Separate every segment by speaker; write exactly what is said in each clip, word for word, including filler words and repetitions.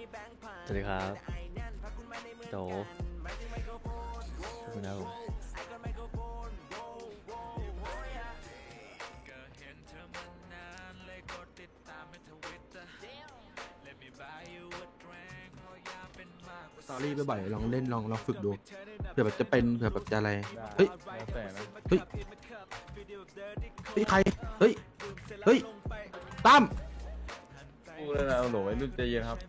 Speaker 1: สวัสดีครับโจขอบคุณครับผม
Speaker 2: สตอรี่บ่อยๆลองเล่นลองลองฝึกดูเผื่อแบบจะเป็นเผื่อแบบจะอะไรเฮ้ย
Speaker 3: แล้วแต่นะ
Speaker 2: เฮ้ยเฮ้ยใครเฮ้ยเฮ้ยตั้ม
Speaker 3: พูดแล้วนะโหลไอ้รุ่นใจเย็นครับ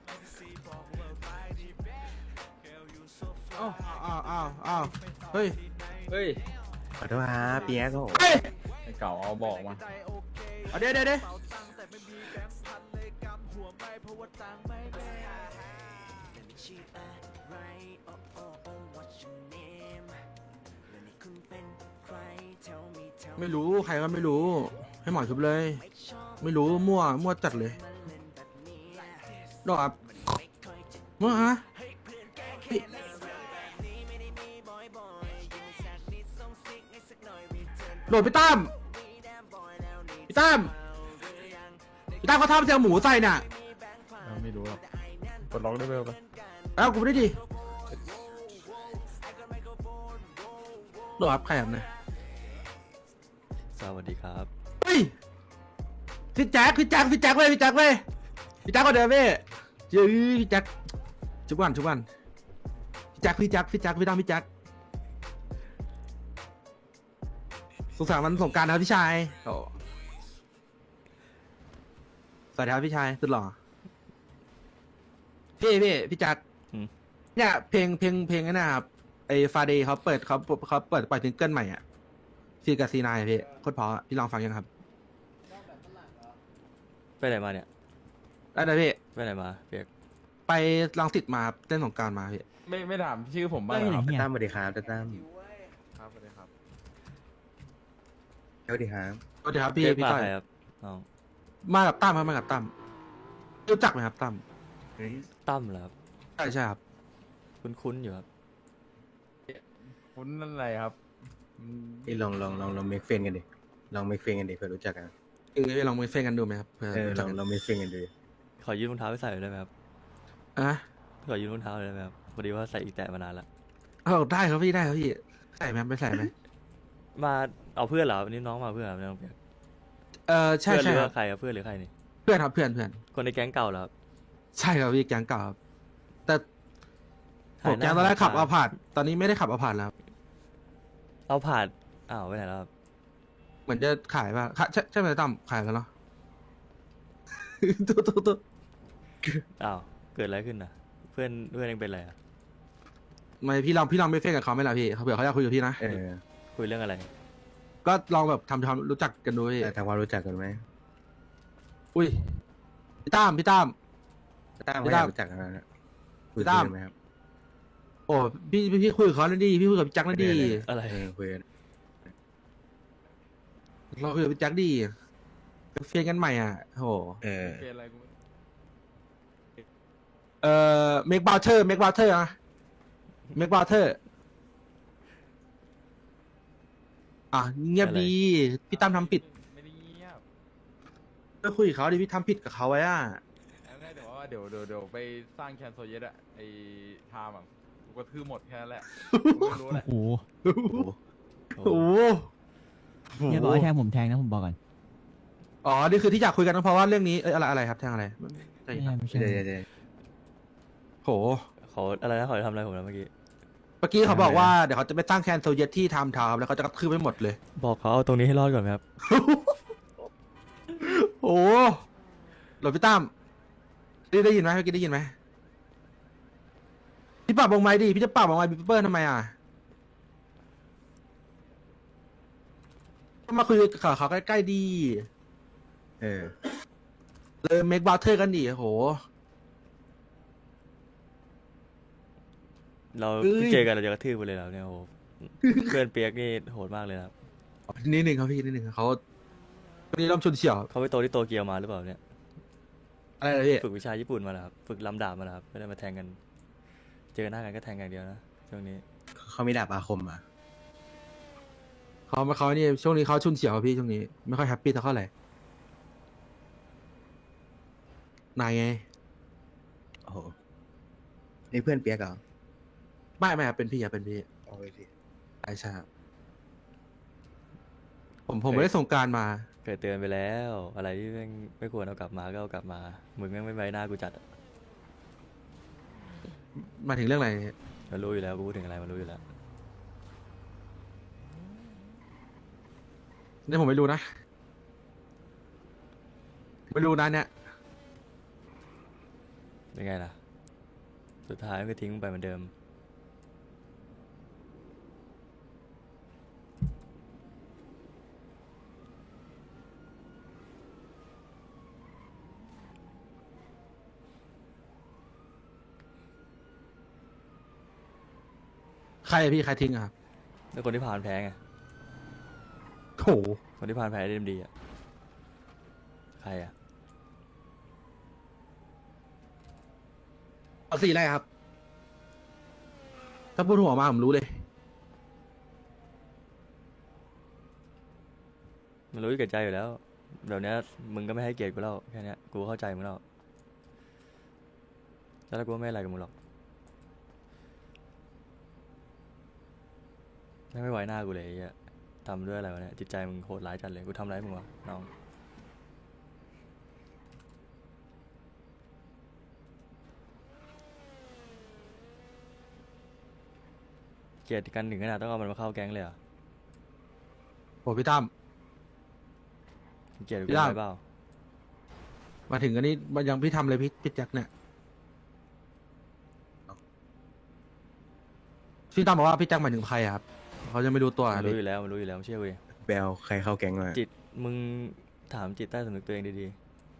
Speaker 2: อ้าวอ้าวอ้าวอ้าวเฮ้ย
Speaker 3: เฮ้ย
Speaker 4: ขอโทษครับเปียกโอ้โห
Speaker 2: เฮ้ย
Speaker 3: ไอ้เก่าเอาบอกมา
Speaker 2: เอาเดี๋ยวเดี๋ยวเดี๋ยวไม่รู้ใครก็ไม่รู้ให้หมอชุบเลย ไม่รู้มั่วมั่วจัดเลยดอกครับมั่วฮะเฮ้ยโหลดพี่ตั้มพี่ตั้มพี่ตั้มเขาทำเสียงหมูใส่น่ะ
Speaker 3: เราไม่รู้หรอกกดล็อกได้ไหมปะ
Speaker 2: เอ้ากูไม่ได้ดิโหลดครับใครครับเนี่ย
Speaker 1: สวัสดีครับ
Speaker 2: เฮ้ยพี่แจ็คพี่แจ็คพี่แจ็คเลยพี่แจ็คเลยพี่แจ็คก็เดินพี่เฮ้ยพี่แจ็คชุบวันชุบวันพี่แจ็คพี่แจ็คพี่แจ็คพี่ตั้มพี่แจ็คสุขสันต์วันสงกรานต์นะครับพี่ชายโอ้สวัสดีครับพี่ชายสุดหล่อพี่พี่พี่แจ็ค
Speaker 1: อืม
Speaker 2: เนี่ยเพลงเพลงเพลงนั่นนะครับไอ้ฟาเดย์เขาเปิดเขาเขาเปิดปล่อยซิงเกิลใหม่อ่ะซีกับซีนายพี่โคตรเพราะพี่ลองฟังยังครับ
Speaker 1: ไปไหนมาเนี่ย
Speaker 2: ได้เลยพี่
Speaker 1: ไปไหนมาเปียก
Speaker 2: ไปลองติดมาครับเล่นสงกรารมาพี่
Speaker 3: ไม่ไม่ถามชื่อผมบ้างเหรอครับ
Speaker 4: ตั้มสวัสดีครับตั้ม
Speaker 3: ครับสวัสดีครับ
Speaker 4: สวัสดีครับ
Speaker 2: สวัสดีครับพี่
Speaker 1: เปียก
Speaker 2: พี่
Speaker 1: มา
Speaker 2: ต้อย
Speaker 1: ใครครับน้อง
Speaker 2: มากับตั้มครับมากับตั้มรู้จักไหมครับตั้ม
Speaker 4: เฮ้ย
Speaker 1: ตั้มเหรอครับ
Speaker 2: ใช่ใช่ครับ
Speaker 1: คุ้นๆอยู่ครับ
Speaker 3: คุณนั่นอะไรครับอืม
Speaker 4: นี่ลองลองลองลองเมคเฟนกันดิลองเมคเฟนกันดิเผื่อรู้จักกัน
Speaker 2: เออลองไปเฟนกันดูไหมครับเพื่อ
Speaker 4: เออ
Speaker 2: รู้
Speaker 4: ล
Speaker 2: จั
Speaker 4: อก ง
Speaker 2: กัน
Speaker 4: ลองเมคเฟนกันดู
Speaker 1: ขอยืมรองเท้าไปใส่หน่อยได้ไหมครับ
Speaker 2: อ่ะ
Speaker 1: ขอยืมรองเท้าหน่อยได้ไหมครับพอดีว่าใส่อีกแตะมานานละ
Speaker 2: เอาได้ครับพี่ได้ครับพี่ใส่ไหมไปใส่ไหม
Speaker 1: มาเอาเพื่อนเหรอวันนี้น้องมาเพื่อนครับน้องเปียก
Speaker 2: เออใช่
Speaker 1: เพื่อนห
Speaker 2: ใช่
Speaker 1: รือ
Speaker 2: ครั
Speaker 1: ว่า
Speaker 2: บ
Speaker 1: ใครครับเพื่อนหรือใครนี่
Speaker 2: เพื่อนครับเพื่อนเพื่อน
Speaker 1: คนในแก๊งเก่าเหรอครับ
Speaker 2: ใช่ครับพี่แก๊งเก่าครับแต่ผ
Speaker 1: หาย
Speaker 2: ม
Speaker 1: หน้า
Speaker 2: แก๊งตอนแรกขับ
Speaker 1: หายตา
Speaker 2: เอาผ่านตอนนี้ไม่ได้ขับเอาผ่านแล้วครับ
Speaker 1: เอาผ่านอ้าวไปไหนแล้วครับ
Speaker 2: เหมือนจะขายป่ะขายใช่ใช่ไหมตั้มขายแล้วเนาะ ตุ๊ตุ๊ตุ๊
Speaker 1: อ้าวเกิดอะไรขึ้นนะเพื่อนเพื่อนเองเป็นอะไรอะ
Speaker 2: ไม่พี่ลองพี่ลองไปเฟนกับเขาไหมล่ะพี่เขาเผื่อเขาอยากคุยกับพี่นะ
Speaker 4: เออ
Speaker 1: คุยเรื่องอะไร
Speaker 2: ก็ลองแบบทำความรู้จักกันดูพี่
Speaker 4: แต่ทำความรู้จักกันไหม
Speaker 2: อุ้ยพี่ตั้มพี่ตั้ม
Speaker 4: ตั้ม
Speaker 2: พี่
Speaker 4: เขาอ
Speaker 2: ตั้
Speaker 4: ยาม กรู้จักกันแล้วนะคุย
Speaker 2: พี่ตั้ม
Speaker 4: กันไหมครับ
Speaker 2: โอ้พี่พี่พี่คุยกับเขาแล้วดีพี่คุยกับพี่แจ็คแล้วดี
Speaker 1: อะไร
Speaker 4: เออคุยกัน
Speaker 2: เราคุยกับพี่แจ็คดีเฟียนกันใหม่อ่ะโห
Speaker 4: เออ
Speaker 3: เป็นอะไรกู
Speaker 2: เอ่อเมกบาเทอร์เมกบาเทอร์อะเมกบาเทอร์อ่ะเงียบดีพี่ตั้มทำผิด
Speaker 3: ไม่ได้เงียบ
Speaker 2: ก็คุยกับเขาดิพี่ทำผิดกับเขาไว้อ่ะ
Speaker 3: เอาง่ายเดี๋ยวว่าเดี๋ยวเดี๋ยวเดี๋ยวไปสร้างแคนโซเยตอะไอ้ไทม์อะกูกระทืบหมดแค่นั้นแหละกูไม่รู้แหละ
Speaker 5: โอ้โห
Speaker 2: โอ้โห
Speaker 1: โอ้
Speaker 2: โอ้โห
Speaker 5: อย่าบอกให้แทงผมแทงนะผมบอกก่อน
Speaker 2: อ๋อนี่คือที่อยากคุยกันเพราะว่าเรื่องนี้เอ้ยอะไรอะไรครับแทงอะไรใช่
Speaker 5: ไม่
Speaker 2: ค
Speaker 5: ใช่
Speaker 2: รับ
Speaker 5: ไม่ใช่
Speaker 4: เดี๋ยวเดี๋ยวเดี๋ยว
Speaker 2: โห
Speaker 1: เขาอะไรนะเขาจะทำอะไรผมนะเมื่อกี้
Speaker 2: เมื่อกี้เขาบอกว่าเดี๋ยวเขาจะไปตั้งแคนโซเยตที่ไทม์ทาวน์แล้วเขาจะกระทืบไปหมดเลย
Speaker 1: บอกเขาเอาตรงนี้ให้รอดก่อนไหมครับ
Speaker 2: โอ้หลบพี่ตั้มได้ได้ยินไหมเมื่อกี้ได้ยินไหมพี่ปรับวงไม้ดิพี่จะปรับวงไม้บิปเปอร์ทำไมอ่ะก็มาคุยกับเขาใกล้ๆดี
Speaker 4: เออ
Speaker 2: เลยเมกบาเทอร์กันดิโห
Speaker 1: เรา
Speaker 2: เอ้ย
Speaker 1: เจอกันเราจะกระทืบไปเลยแล้วเนี่ยโอ้โหเพื่อนเปียกนี่โหดมากเลยนะครับ
Speaker 2: นิดหนึ่งครับพี่นิดหนึ่งเขาวันนี้เริ่มชุนเฉียว
Speaker 1: เขาไปโตที่โตเกียวมาหรือเปล่าเนี่ย
Speaker 2: อะไรนะพี่
Speaker 1: ฝึกวิชาญี่ปุ่นมาแล้วครับฝึกลำดาบมาแล้วครับไม่ได้มาแทงกัน เจอหน้ากันก็แทงกันอย่างเดียวนะช่วงนี้
Speaker 4: เขามีดาบอาคมอ่ะ
Speaker 2: เขาเขานี่ช่วงนี้เขาชุนเฉียวครับพี่ช่วงนี้ไม่ค่อยแฮปปี้เท่าไหร่นายไง
Speaker 4: โอ้โหนี่เพื่อนเปียกเหรอ
Speaker 2: ไม่ไม่ครับเป็นพี่ครับเป็นพี่
Speaker 4: โอ้ยพี่
Speaker 2: ไอชาผมผมไม่ได้ส่งกรารมา
Speaker 1: เคยเตือนไปแล้ว อะไรที่แม่งไม่ควรเอากลับมาก็เอากลับมามึงแม่งไม่ไว้หน้ากูจัดอะ
Speaker 2: มาถึงเรื่องอะไร
Speaker 1: มันรู้อยู่แล้วกูพูดถึงอะไรมันรู้อยู่แล้ว
Speaker 2: นี่ผมไม่รู้นะ ไม่รู้นะเนี่ย
Speaker 1: เป็นไงล่ะ สุดท้ายก็ทิ้งมึงไปเหมือนเดิม
Speaker 2: ใครอะพี่ใครทิ้งอะครับ
Speaker 1: แล้วคนที่ผ่านแพ้ไง
Speaker 2: โอ้โห
Speaker 1: คนที่ผ่านแพ้ได้ดีอ่ะ ใครอ่ะ
Speaker 2: เอาสีอะไรครับ ถ้าพูดหัวมาผมรู้เลย
Speaker 1: มันรู้อยู่แก่ใจอยู่แล้วเดี๋ยวนี้มึงก็ไม่ให้เกียรติกูแล้วแค่เนี้ยกูเข้าใจมึงแล้วแล้วกูก็ไม่อะไรกับมึงหรอกไม่ไม่ไว้หน้ากูเลยไอ้เหี้ยทำด้วยอะไรวะเนี่ยจิตใจมึงโหดร้ายจัดเลยกูทำอะไรให้มึงวะน้องเกลียดกันถึงขนาดต้องเอามันมาเข้าแก๊งเลยเหรอ
Speaker 2: โอ้พี่ตั้ม
Speaker 1: เกลียดกู
Speaker 2: พี่
Speaker 1: ได้
Speaker 2: ดำ
Speaker 1: เปล่า
Speaker 2: มาถึงอันนี้มันยังพี่ทำเลยพี่พี่แจ็คเนี่ยพี่ตั้มบอกว่าพี่แจ็คหมายถึงใครอะครับเขายังไม่รู้ตัว
Speaker 1: มัน
Speaker 2: อะ
Speaker 1: รู้
Speaker 2: พี่
Speaker 1: อยู่แล้วมันรู้อยู่แล้วเชื่อกูดิ
Speaker 4: แบลใครเข้าแก๊งมา
Speaker 1: จิตมึงถามจิตใต้สำนึกตัวเองดี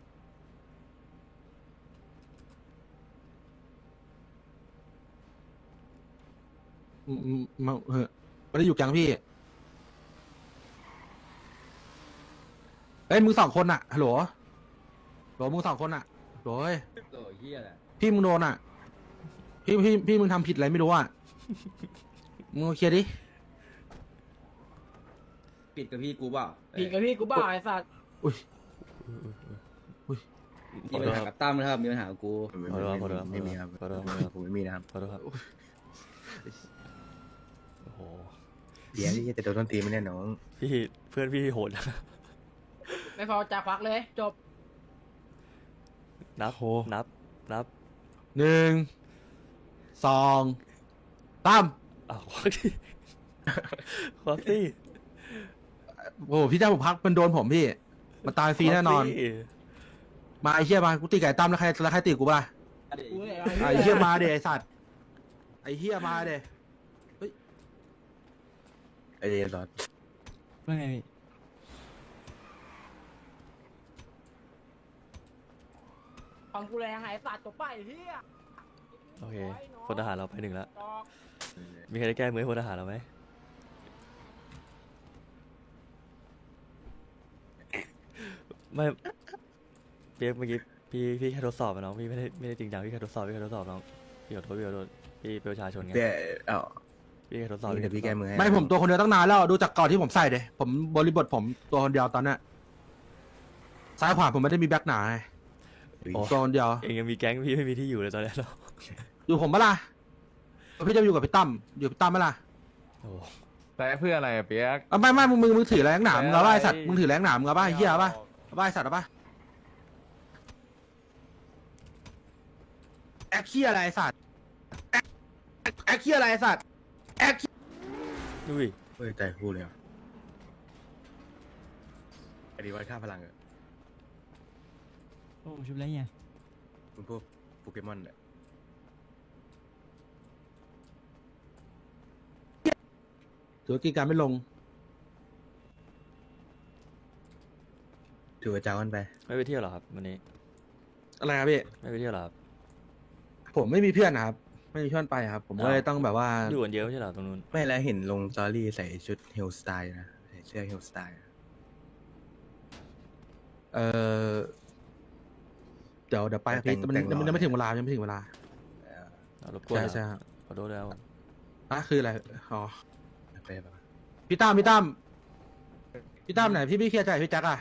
Speaker 2: อืมอืมมาเออไม่ได้อยู่แก๊งพี่เอ้ยมึงสองคนอะฮัลโหลฮัลโหลมึงสองคนอะฮัลโหลเอ้ย
Speaker 5: โอ้ยเฮียแหละ
Speaker 2: พี่มึงโดนอะพี่พี่พี่มึงทำผิดอะไรไม่รู้อะมึงมาเคลียร์ดิ
Speaker 5: ปิดกับพี่กูเปล่า
Speaker 6: ผิดกับพี่กูบ้าไอ้สัตว์
Speaker 2: อุ้ย
Speaker 5: มีปัญหากับตั้มนะครับ มีปัญหากับกู
Speaker 4: ไม่
Speaker 1: ขอโทษขอโทษ
Speaker 4: ไม่มีครับ
Speaker 1: ขอโทษ
Speaker 4: ผมไม่มีนะครับ
Speaker 1: ขอโทษครับโอ้โห
Speaker 4: เดี๋ยวที่จะโดนต้นตีไม่แน่น้อง
Speaker 1: พี่เพื่อนพี่โหดนะ
Speaker 6: ไม่พอจะควักเลยจบ
Speaker 1: นับนับนับ
Speaker 2: หนึ่งสองตั้ม
Speaker 1: อ้าวควักที่ควักที่
Speaker 2: โอ้โหพี่แจ็คผมพักมันโดนผมพี่มาตายฟรีแน่นอน
Speaker 1: ควักที่
Speaker 2: มาไอ้เหี้ยมากูตีไก่ตั้มแล้วใครแล้วใครตีกูป่ะ
Speaker 6: กูเนี่ย
Speaker 2: ไอ้เหี้ยมาเดไอ้สัตว์ไอ้เหี้ยมาเด
Speaker 4: ไอเดียรอด
Speaker 7: ว่าไงพี่
Speaker 6: ของกูแรงไอ้สัตว์จบไปไอ้เฮีย
Speaker 1: โอเคพลทหารเราไปหนึ่งแล้ว
Speaker 6: จอก
Speaker 1: มีใครได้แก้มือให้พลทหารเราไหมไม่เปียกเมื่อกี้พี่พี่แค่ทดสอบอะน้องพี่ไม่ได้ไม่ได้จริงจังพี่แค่ทดสอบพี่แค่ทดสอบน้องพี่ขอโทษพี่ขอโทษพี่เป็นประชาชนไง
Speaker 4: เปียเอ้า
Speaker 1: พี่แค่ทดสอบ
Speaker 4: เดี๋ยวพี่แก้มือให้
Speaker 2: ไม่ผมตัวคนเดียวตั้งนานแล้วดูจากก่อนที่ผมใส่เลยผมบริบทผมตัวคนเดียวตอนเนี้ยซ้ายขวาผมไม่ได้มีแบ็คหนาไง
Speaker 4: โอ้
Speaker 2: ตัวคนเดียว
Speaker 1: เองยังมีแก๊งพี่ไม่มีที่อยู่เลยตอนนี้เนาะ
Speaker 2: อยู่ผมปะล่ะพี่จะอยู่กับพี่ตั้มอยู่กับพี่ตั้มปะล่ะ
Speaker 1: โอ้
Speaker 3: แต่เพื่ออะไรอะเปียก
Speaker 2: อ่ะไม่ไม่มึงมึงมึงถือแรงหนามมึงเอาป่ะไอ้สัตว์มึงถือแรงหนามมึงเอาป่ะไอ้เหี้ยเอาป่ะเอาป่ะไอ้สัตว์เอาป่ะแอคเคียอะไรไอ้สัตว์แอคแอคเคียอะไรไอ้สัตว์แอค
Speaker 1: ดุย
Speaker 4: เฮ้ยใจพูดเลยอ่ะไอดีวัดค่าพลังอะ
Speaker 7: โอ้ชุบแล้วเนี่ย
Speaker 4: มันพวกโปเกมอนเนี่ย
Speaker 2: ถือว่ากินการไม่ลง
Speaker 4: ถือว่าจ้ากันไป
Speaker 1: ไม่ไปเที่ยวเหรอครับวันนี้
Speaker 2: อะไรครับพี่
Speaker 1: ไม่ไปเที่ยวเหรอครับ
Speaker 2: ผมไม่มีเพื่อนนะครับ ไม่มีเพื่อนไปครับ ผมก็เลยต้องแบบว่า
Speaker 1: อยู่กันเยอะไม่ใช่เหรอตรงนู้น
Speaker 4: ไม่แล้วเห็นลงสตอรี่ใส่ชุดเฮลสไตล์นะใส่เสื้อเฮลสไตล์
Speaker 2: เออเดี๋ยวเดี๋ยวไปครับพี่แต่มันยังยังไม่ถึงเวลายังไม่ถึงเวลา
Speaker 1: เอารบกวน
Speaker 2: ใช่
Speaker 1: เหรอ
Speaker 2: ใช่ครับ
Speaker 1: ขอโทษแล้ว
Speaker 2: อ่ะคืออะไรอ๋อ
Speaker 4: ไปปะ
Speaker 2: พี่ตั้มพี่ตั้มพี่ตั้มไหนพี่พี่เคลียร์ใจพี่แจ็คอะ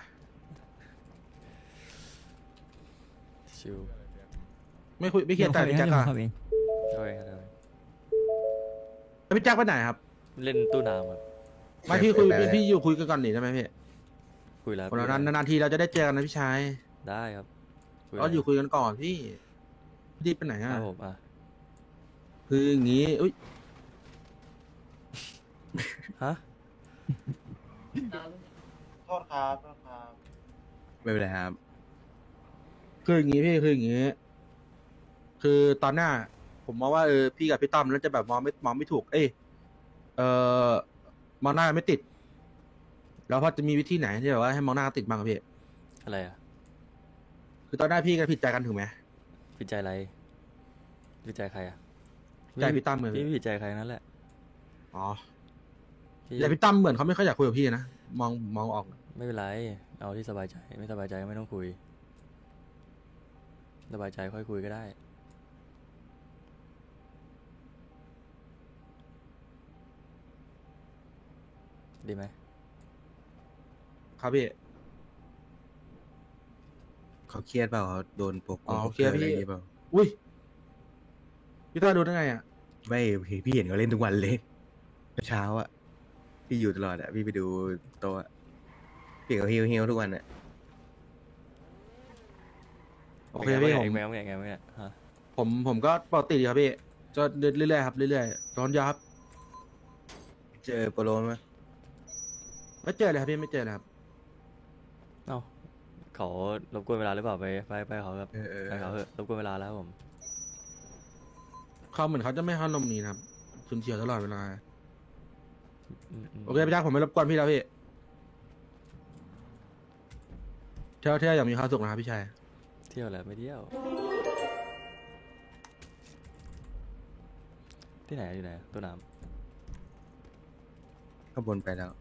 Speaker 1: ชิว
Speaker 2: ไม่คุยไม่เคลียร์ใจพี่แจ็ค
Speaker 7: เดี๋ยว
Speaker 2: อะ
Speaker 7: ผมเข้าเอง
Speaker 1: โอตัวเองครับ
Speaker 2: แล้วพี่แจ็คไปไหนครับ
Speaker 1: เล่นตู้น้ำครับ
Speaker 2: ไม่พี่คุยพี่พี่อยู่คุยกันก่อนหนิได้ไหมพี่
Speaker 1: คุยแล้ว
Speaker 2: วันนั้นนานๆทีเราจะได้เจอกันนะพี่ชาย
Speaker 1: ได้ครับคุ
Speaker 2: ก็อยู่คุยกันก่อนพี่พี่รีบไปไหน
Speaker 1: ค
Speaker 2: อ่ะ
Speaker 1: รับผมอ่ะ
Speaker 2: คืออย่างงี้อุ้ย
Speaker 1: ฮะ
Speaker 8: โทษครับโทษครับ
Speaker 4: ไม่เป็นไรครับ
Speaker 2: คืออย่างงี้พี่คืออย่างงี้ คือตอนหน้า ผมมองว่าเออพี่กับพี่ตั้มแล้วจะแบบมองไม่มองไม่ถูก เอ้ยเออมองหน้าไม่ติด แล้วพอจะมีวิธีไหนที่แบบว่าให้มองหน้าติดบ้างครับพี่
Speaker 1: อะไรอ่ะ
Speaker 2: คือตอนหน้าพี่กับผิดใจกันถูกไหม
Speaker 1: ผิดใจอะไรผิดใจใครอ่ะ
Speaker 2: ใจพี่ตั้มเลย
Speaker 1: พี่ไม่ผิดใจใครนั่นแหละ
Speaker 2: อ๋อ
Speaker 1: พี่
Speaker 2: แต่พี่ตั้มเหมือนเขาไม่ค่อยอยากคุยกับพี่นะมองมองออก
Speaker 1: ไม่เป็นไรเอาที่สบายใจไม่สบายใจก็ไม่ต้องคุยสบายใจค่อยคุยก็ได้ ดีไหม
Speaker 2: ครับพี่
Speaker 4: เขาเครียดเปล่าเขาโดนปก
Speaker 2: อ๋อ
Speaker 4: ปก
Speaker 2: เครียด
Speaker 4: อะไร
Speaker 2: พี่
Speaker 4: อย่างงี้เปล่า
Speaker 2: อุ้ยพี่ต้าดูได้ไงอ่ะ
Speaker 4: ไม่พี่พี่เห็นเขาเล่นทุกวันเลยเช้าอะพี่อยู่ตลอดอะพี่ไปดูโต๊ะอะพี่เขาเฮี้ยวเฮี้ยวทุกวันอะ
Speaker 2: โอเคพี่ผม
Speaker 1: แมวแมวแมวแมวฮะ
Speaker 2: ผมผมก็ปกติดีครับพี่ก็เรื่อยๆครับเรื่อยๆร้อนยาครับ
Speaker 4: เจอโปโลไหม
Speaker 2: ไม่เจอเลยครับพี่ไม่เจอเลยครับ
Speaker 1: เอ้าเขารบกวนเวลาหรือเปล่าไปไปไปเขาครับ
Speaker 4: เออเออ
Speaker 1: ไปเขาเถอะรบกวนเวลาแล้วครับผม
Speaker 2: เขาเหมือนเขาจะไม่ให้นมนี้นะครับชุนเฉียวตลอดเวลา
Speaker 1: อืมม
Speaker 2: โอเคพี่จ้าผมไม่รบกวนพี่แล้วพี่เที่ยวเที่ยวอย่างมีความสุขนะครับพี่ชาย
Speaker 1: เที่ยวแหละไม่เที่ยว ที่ไหนอยู่ไหนตู้น้
Speaker 4: ข้างบนไปแล้ว